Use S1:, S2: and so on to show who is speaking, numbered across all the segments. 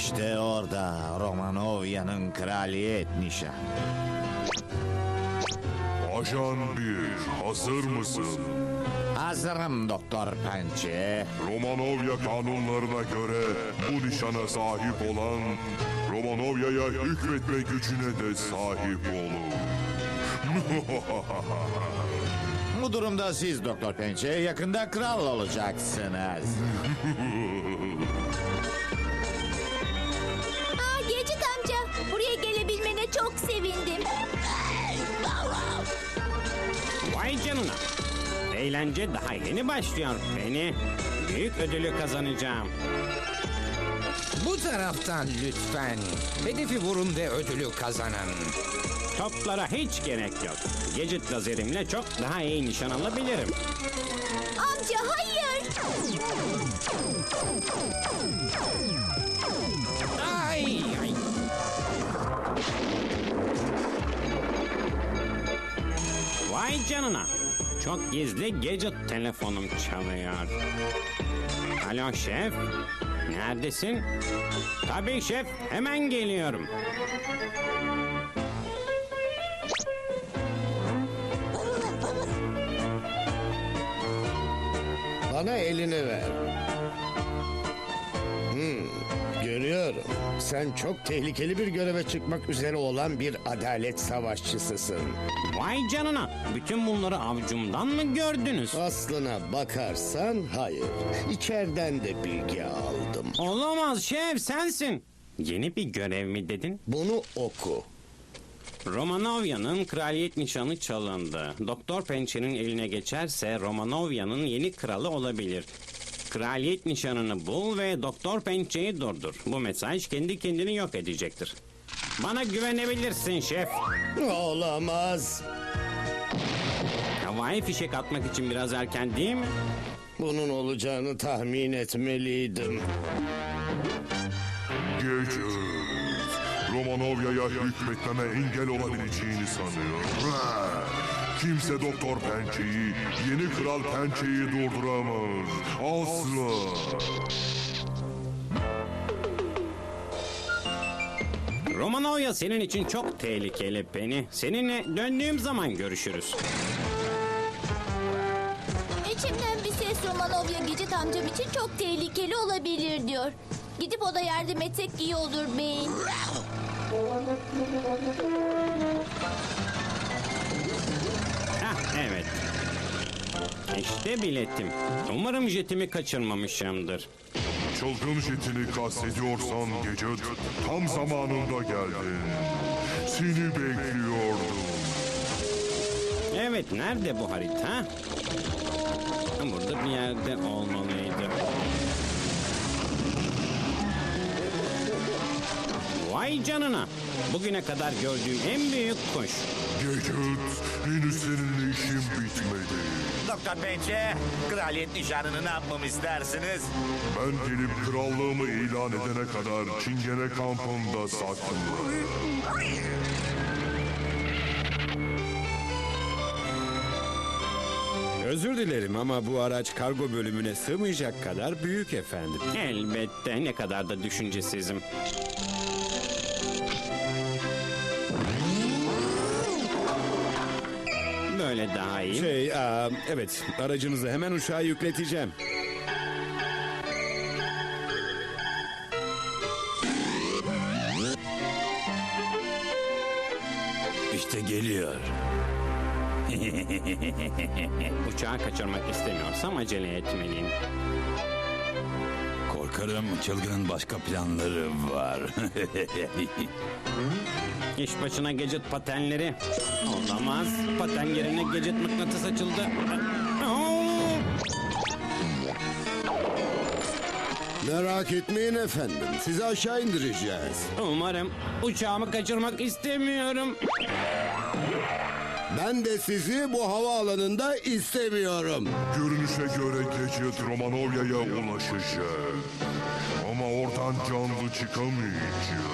S1: İşte orada Romanovya'nın kraliyet nişanı.
S2: Ajan 1, hazır mısın?
S1: Hazırım Doktor Pençe.
S2: Romanovya kanunlarına göre bu nişana sahip olan Romanovya'ya hükmetme gücüne de sahip olur.
S1: Bu durumda siz Doktor Pençe yakında kral olacaksınız.
S3: Gadget amca, buraya gelebilmene çok sevindim.
S4: Vay canına. Eğlence daha yeni başlıyor beni. Büyük ödülü kazanacağım.
S5: Bu taraftan lütfen. Hedefi vurun ve ödülü kazanın.
S4: Toplara hiç gerek yok. Gadget lazerimle çok daha iyi nişan alabilirim.
S3: Amca hayır.
S5: Ay, ay.
S4: Vay canına. Çok gizli Gadget telefonum çalıyor. Alo şef. Neredesin? Tabii şef. Hemen geliyorum.
S6: Bana elini ver. Görüyorum. Sen çok tehlikeli bir göreve çıkmak üzere olan bir adalet savaşçısısın.
S4: Vay canına. Bütün bunları avucumdan mı gördünüz?
S6: Aslına bakarsan hayır. İçeriden de bilgi aldım.
S4: Olamaz şef, sensin. Yeni bir görev mi dedin?
S6: Bunu oku.
S4: Romanovya'nın kraliyet nişanı çalındı. Doktor Pençe'nin eline geçerse Romanovya'nın yeni kralı olabilir. Kraliyet nişanını bul ve Doktor Pençe'yi durdur. Bu mesaj kendi kendini yok edecektir. Bana güvenebilirsin şef.
S6: Olamaz.
S4: Havai fişek atmak için biraz erken değil mi?
S6: Bunun olacağını tahmin etmeliydim.
S2: Gece. Romanovya'ya hükmetmeme engel olabileceğini sanıyor. Kimse Doktor Pençe'yi, yeni Kral Pençe'yi durduramaz. Asla.
S4: Romanovya senin için çok tehlikeli Penny. Seninle döndüğüm zaman görüşürüz.
S3: İçimden bir ses Romanovya Gadget amcam için çok tehlikeli olabilir diyor. Gidip o da yardım etsek iyi olur beyin.
S4: Evet. İşte biletim. Umarım jetimi kaçırmamışımdır.
S2: Çılgın jetini kastediyorsan gece tam zamanında geldin. Seni bekliyordum.
S4: Evet, nerede bu harita? Burada bir yerde olmalıydı. Vay canına. Bugüne kadar gördüğüm en büyük kuş.
S2: Gece henüz seninle işim bitmedi.
S1: Doktor Pençe, kraliyet nişanını ne yapmamı istersiniz?
S2: Ben gelip krallığımı ilan edene kadar Çingene kampında saklı.
S7: Özür dilerim ama bu araç kargo bölümüne sığmayacak kadar büyük efendim.
S4: Elbette, ne kadar da düşüncesizim. Böyle daha iyi.
S7: Evet, aracınızı hemen uçağa yükleteceğim.
S1: İşte geliyor.
S4: Uçağı kaçırmak istemiyorsam acele etmeliyim.
S1: Korkarım çılgının başka planları var.
S4: İş başına Gadget patenleri. Olamaz. Paten yerine Gadget mıknatıs açıldı.
S8: Merak etmeyin efendim. Sizi aşağı indireceğiz.
S4: Umarım. Uçağımı kaçırmak istemiyorum.
S8: Ben de sizi bu havaalanında istemiyorum.
S2: Görünüşe göre Gecet Romanovya'ya ulaşacak. Ama oradan canlı çıkamayacak.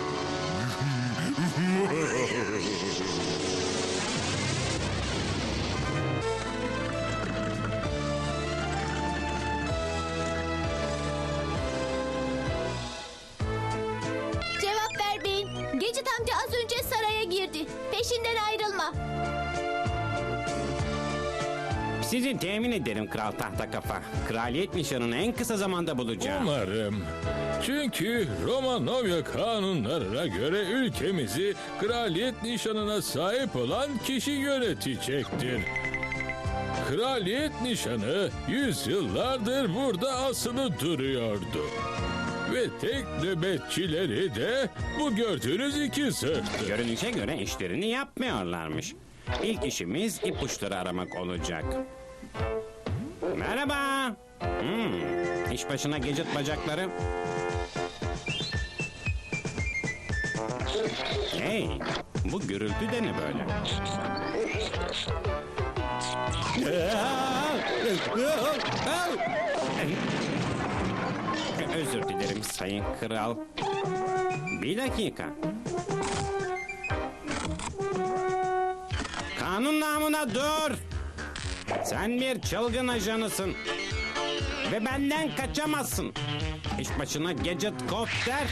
S4: Sizi temin ederim Kral Tahtakafa. Kraliyet nişanını en kısa zamanda bulacağım.
S9: Umarım. Çünkü Romanovya kanunlarına göre ülkemizi kraliyet nişanına sahip olan kişi yönetecektir. Kraliyet nişanı yüzyıllardır burada asılı duruyordu. Ve tek nöbetçileri de bu gördüğünüz iki zırhtı.
S4: Görünüşe göre işlerini yapmıyorlarmış. İlk işimiz ipuçları aramak olacak. Merhaba. İş başına Gadget bacakları. Hey, bu gürültü de ne böyle? Özür dilerim sayın kral. Bir dakika. Kanun namına dur. Sen bir çılgın ajanısın. Ve benden kaçamazsın. İş başına Gadget Copter.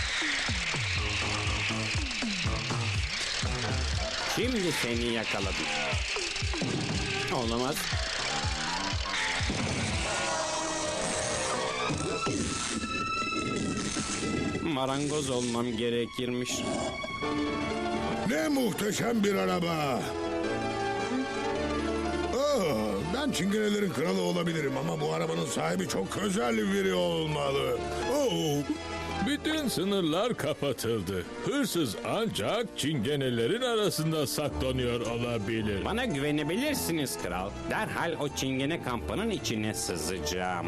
S4: Şimdi seni yakaladım. Olamaz. Marangoz olmam gerekirmiş.
S8: Ne muhteşem bir araba. Ben çingenelerin kralı olabilirim ama bu arabanın sahibi çok özel biri olmalı.
S9: Bütün sınırlar kapatıldı. Hırsız ancak çingenelerin arasında saklanıyor olabilir.
S4: Bana güvenebilirsiniz kral. Derhal o çingene kampının içine sızacağım.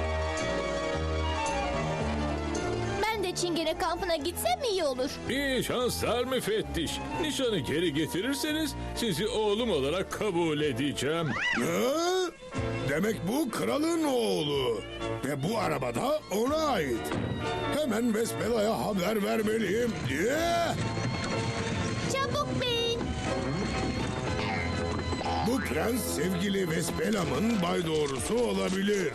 S3: Ben de Çingene kampına gitsem iyi olur.
S9: İyi şanslar müfettiş. Nişanı geri getirirseniz sizi oğlum olarak kabul edeceğim.
S8: Demek bu kralın oğlu. Ve bu arabada ona ait. Hemen Vespela'ya haber vermeliyim diye.
S3: Çabuk bin.
S8: Bu prens sevgili Vespela'mın bay doğrusu olabilir.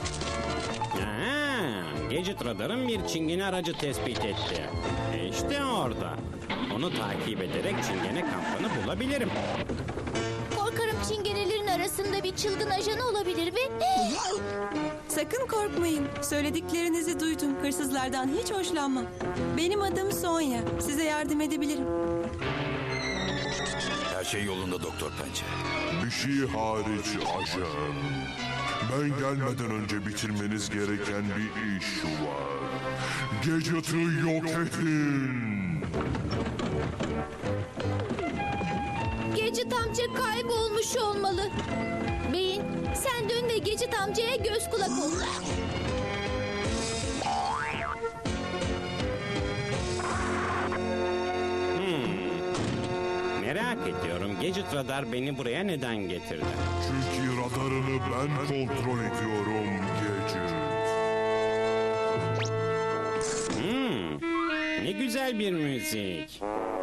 S4: Gadget Radar'ın bir çingene aracı tespit etti. İşte orada. Onu takip ederek çingene kampını bulabilirim.
S3: Korkarım çingenelerin arasında bir çılgın ajan olabilir ve...
S10: Sakın korkmayın. Söylediklerinizi duydum. Hırsızlardan hiç hoşlanmam. Benim adım Sonya. Size yardım edebilirim.
S11: Her şey yolunda Doktor Pençe.
S2: Bir şey hariç ajan. Ben gelmeden önce bitirmeniz gereken bir iş var. Gadget'ı yok edin.
S3: Gadget amca kaybolmuş olmalı. Beyin, sen dön ve Gadget amcaya göz kulak ol.
S4: Merak ediyorum Gadget Radar beni buraya neden getirdi?
S2: Çünkü radarını ben kontrol ediyorum Gadget.
S4: Ne güzel bir müzik.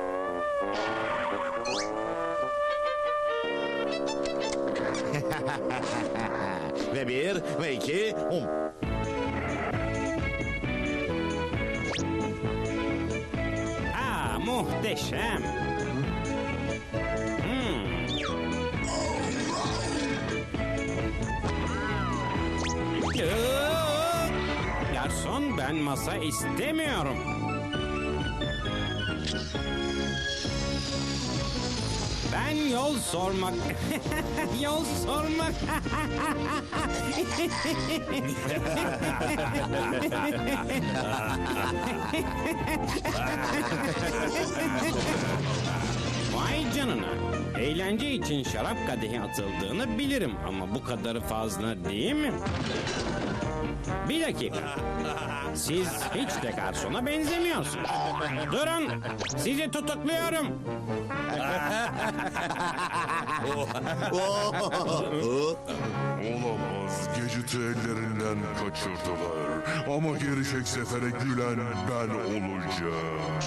S1: Ve bir ve iki.
S4: Muhteşem. Garson, ben masa istemiyorum. Ben yol sormak... yol sormak... Vay canına. Eğlence için şarap kadehi atıldığını bilirim ama bu kadarı fazla değil mi? Bir dakika. Siz hiç de garsona benzemiyorsunuz. Durun. Sizi tutukluyorum.
S2: Olamaz. Gadget'ı ellerinden kaçırdılar. Ama gelecek sefere gülen ben olacağım.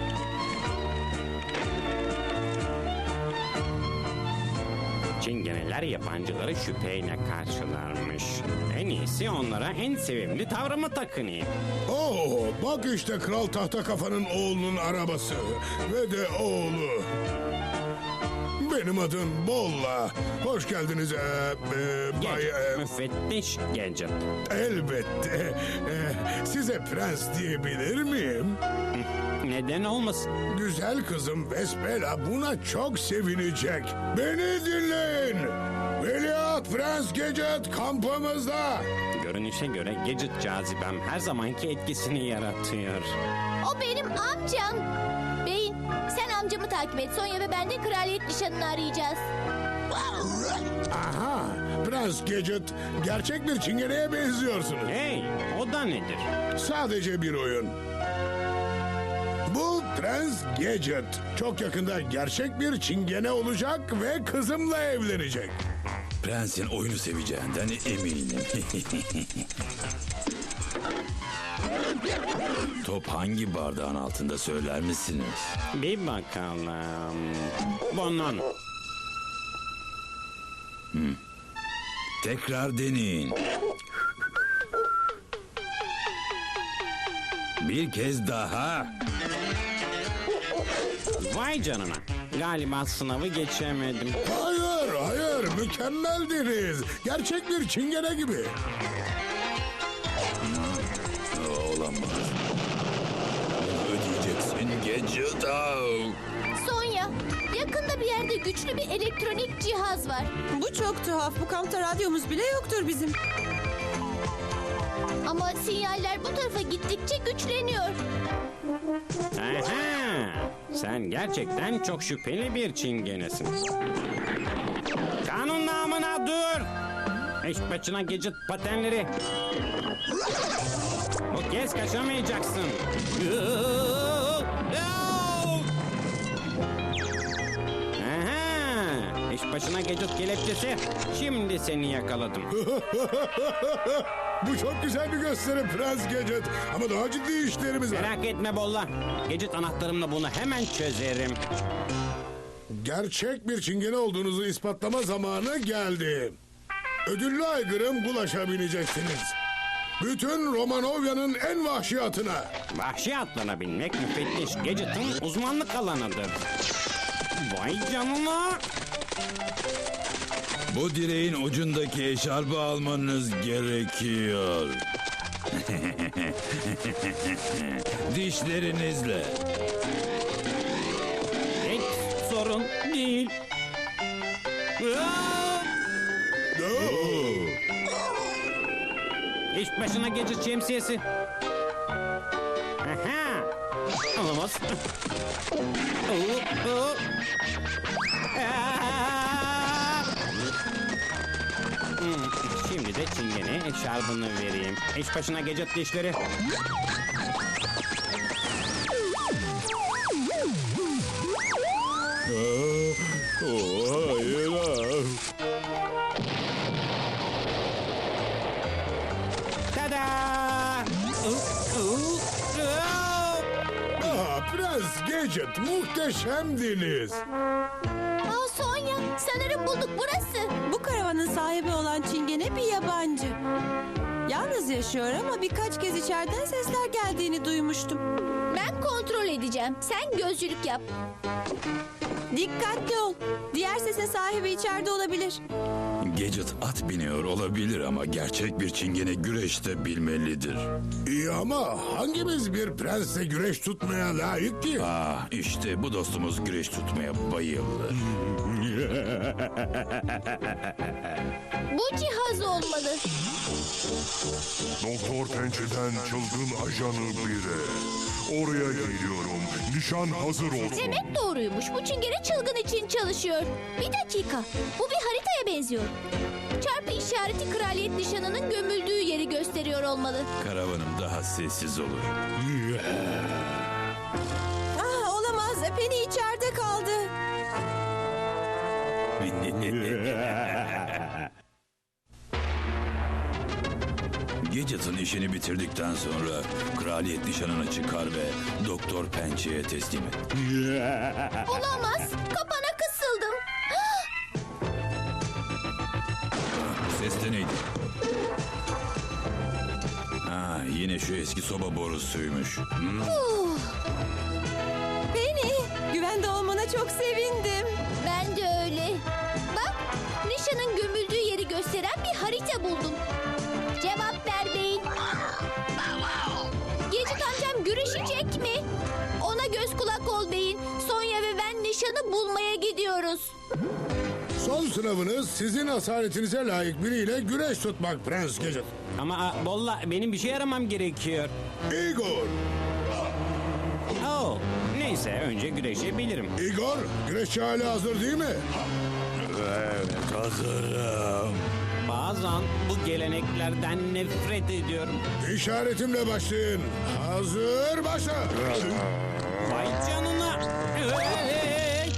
S4: Çingeneler diğer yabancıları şüpheyle karşılarmış. En iyisi onlara en sevimli tavrımı takınayım.
S8: Oo, bak işte Kral Tahta Kafa'nın oğlunun arabası ve de oğlu. Benim adım Bolla. Hoş geldiniz Bay...
S4: Müfettiş Gadget.
S8: Elbette. Size prens diyebilir miyim?
S4: Neden olmasın?
S8: Güzel kızım Vespela buna çok sevinecek. Beni dinleyin. Veliaht Prens Gadget kampımızda.
S4: Görünüşe göre Gadget cazibem her zamanki etkisini yaratıyor.
S3: O benim amcam. Beyin, sen amcamı takip et. Sonya ve ben de kraliyet nişanını arayacağız.
S8: Aha, Prens Gadget gerçek bir çingeneye benziyorsunuz.
S4: Hey, o da nedir?
S8: Sadece bir oyun. Bu Prens Gadget çok yakında gerçek bir çingene olacak ve kızımla evlenecek.
S11: Prensin oyunu seveceğinden eminim. Top hangi bardağın altında söyler misiniz?
S4: Bir bakalım. Bunun.
S11: Tekrar deneyin. Bir kez daha.
S4: Vay canına. Galiba sınavı geçemedim.
S8: Hayır, mükemmeldiniz. Gerçek bir çingene gibi.
S11: Olamaz. Ödeyeceksin Gadget.
S3: Sonya, yakında bir yerde güçlü bir elektronik cihaz var.
S10: Bu çok tuhaf. Bu kampta radyomuz bile yoktur bizim.
S3: Ama sinyaller bu tarafa gittikçe güçleniyor.
S4: Aha, sen gerçekten çok şüpheli bir çingenesin. Kanun namına dur. Eş başına Gadget patenleri. Bu kez kaçamayacaksın. Aha, eş başına Gadget kelepçesi. Şimdi seni yakaladım.
S8: Bu çok güzel bir gösteri Prens Gadget. Ama daha ciddi işlerimiz var.
S4: Merak etme Bolla. Gadget anahtarımla bunu hemen çözerim.
S8: Gerçek bir çingene olduğunuzu ispatlama zamanı geldi. Ödüllü aygırım Gulaş'a bineceksiniz. Bütün Romanovya'nın en vahşi atına.
S4: Vahşi atlarına binmek müfettiş Gadget'ın uzmanlık alanıdır. Vay canına.
S11: Bu direğin ucundaki eşarbı almanız gerekiyor. Dişlerinizle.
S4: Hiç sorun değil. İş başına Gadget şemsiyesi. Aha. Olamaz. Şimdi de çingene eşarbını vereyim. İş başına Gadget dişleri. Tada!
S8: Prens Gadget muhteşemdiniz.
S3: Sonya, sanırım bulduk burası.
S10: Bu karavanın sahibi olan çingene bir yabancı. Yalnız yaşıyor ama birkaç kez içeriden sesler geldiğini duymuştum.
S3: Ben kontrol edeceğim. Sen gözcülük yap.
S10: Dikkatli ol. Diğer sesin sahibi içeride olabilir.
S11: Gadget at biniyor olabilir ama gerçek bir çingene güreşte bilmelidir.
S8: İyi ama hangimiz bir prensle güreş tutmaya layık ki?
S11: İşte bu dostumuz güreş tutmaya bayılır.
S3: Bu cihaz olmalı.
S2: Doktor Pençe'den çılgın ajanı biri. Oraya geliyorum. Nişan hazır olsun.
S3: Demek doğruymuş. Bu çingene çılgın için çalışıyor. Bir dakika. Bu bir haritaya benziyor. Çarpı işareti kraliyet nişanının gömüldüğü yeri gösteriyor olmalı.
S11: Karavanım daha sessiz olur.
S10: Olamaz. Penny içeride kaldı.
S11: Gadget'ın işini bitirdikten sonra kraliyet nişanına çıkar ve Doktor Pençe'ye teslim et.
S3: Olamaz. Kapana kısıldım.
S11: ses de neydi? Ha, yine şu eski soba borusuymuş.
S10: Penny, güvende olmana çok sevindim.
S3: Ben de öyle. Bak, Nişan'ın gömüldüğü yeri gösteren bir harita buldum. Cevap ver beyin. Gecik amcam güreşecek mi? Ona göz kulak ol beyin. Sonya ve ben Nişan'ı bulmaya gidiyoruz.
S8: Son sınavınız sizin asaletinize layık biriyle güreş tutmak Prens Gadget.
S4: Ama Bolla benim bir şey aramam gerekiyor.
S8: Igor.
S4: Oh, neyse önce güreşebilirim.
S8: Igor, güreşçi hala hazır değil mi?
S4: Bazen bu geleneklerden nefret ediyorum.
S8: İşaretimle başlayın. Hazır, başla.
S4: Vay canına. Hey!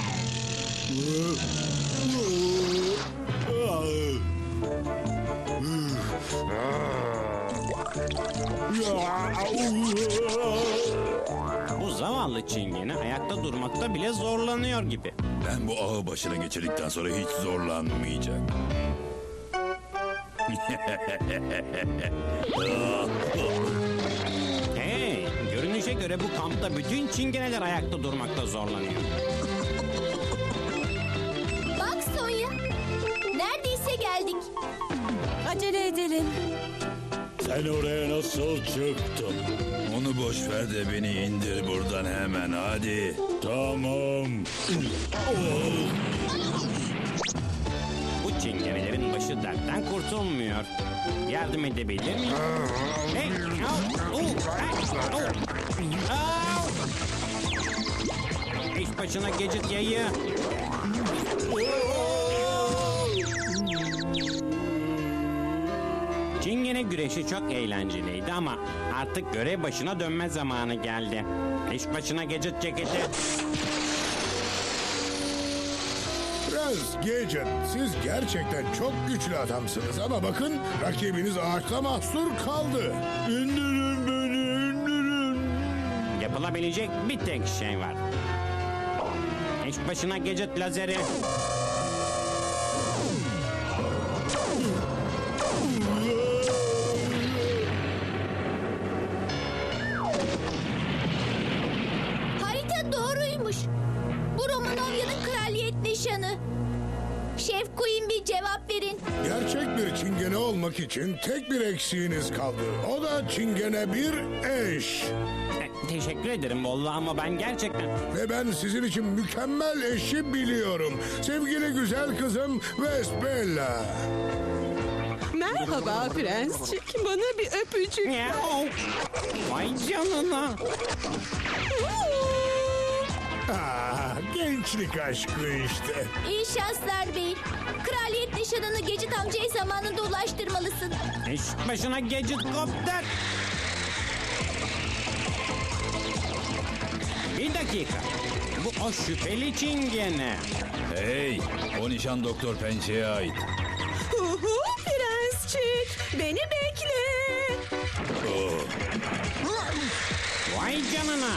S4: Bu zavallı çingene ayakta durmakta bile zorlanıyor gibi.
S11: Ben bu ağı başına geçirdikten sonra hiç zorlanmayacak.
S4: Hey, görünüşe göre bu kampta bütün çingeneler ayakta durmakta zorlanıyor.
S3: Bak Sonya, neredeyse geldik.
S10: Acele edelim.
S9: Sen oraya nasıl çıktın?
S11: Onu boş ver de beni indir buradan hemen hadi.
S9: Tamam.
S4: Bu çingenelerin başı dertten kurtulmuyor. Yardım edebilir miyim? Hey, au, hey, au, au. İş başına Gadget yayı. Çingene güreşi çok eğlenceliydi ama artık görev başına dönme zamanı geldi. İş başına Gadget ceketi.
S8: Prens Gadget, siz gerçekten çok güçlü adamsınız ama bakın rakibiniz ağaçta mahsur kaldı. İndirin beni, indirin.
S4: Yapılabilecek bir tek şey var. İş başına Gadget lazeri.
S3: Harita doğruymuş. Bu Romanovya'nın kraliyet nişanı. Şef Queen bir cevap verin.
S8: Gerçek bir çingene olmak için tek bir eksiğiniz kaldı. O da çingene bir eş.
S4: Teşekkür ederim Bolla ama ben gerçekten...
S8: Ve ben sizin için mükemmel eşi biliyorum. Sevgili güzel kızım Vesbella.
S10: Merhaba prensçik. Bana bir öpücük.
S4: Miau. Vay canına.
S8: Gençlik aşkı işte.
S3: İyi şanslar bey. Kraliyet nişanını Gecit amcaya zamanında ulaştırmalısın.
S4: İş başına Gadget kopter. Bir dakika. Bu o şüpheli çingene.
S11: Hey, o nişan Doktor Pençe'ye ait.
S10: Prensçik, beni bekle.
S4: Vay canına.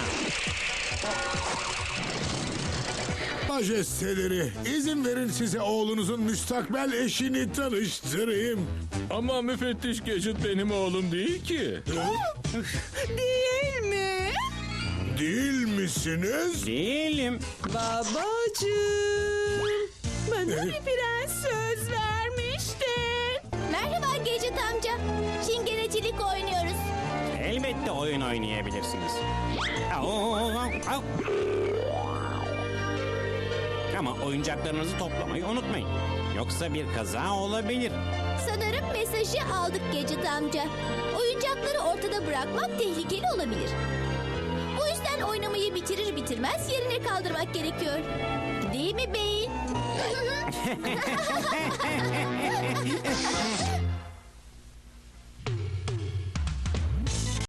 S8: Majesteleri, izin verin size oğlunuzun müstakbel eşini tanıştırayım.
S9: Ama müfettiş Gadget benim oğlum değil ki.
S10: Değil mi?
S8: Değil misiniz?
S4: Değilim.
S10: Babacığım. Bana bir prens söz vermiştin.
S3: Merhaba Gecit amca. Çingenecilik oynuyoruz.
S4: Elbette oyun oynayabilirsiniz. Au, au, au. Ama oyuncaklarınızı toplamayı unutmayın. Yoksa bir kaza olabilir.
S3: Sanırım mesajı aldık Gecit amca. Oyuncakları ortada bırakmak tehlikeli olabilir. Bu yüzden oynamayı bitirir bitirmez yerine kaldırmak gerekiyor. Değil mi beyin?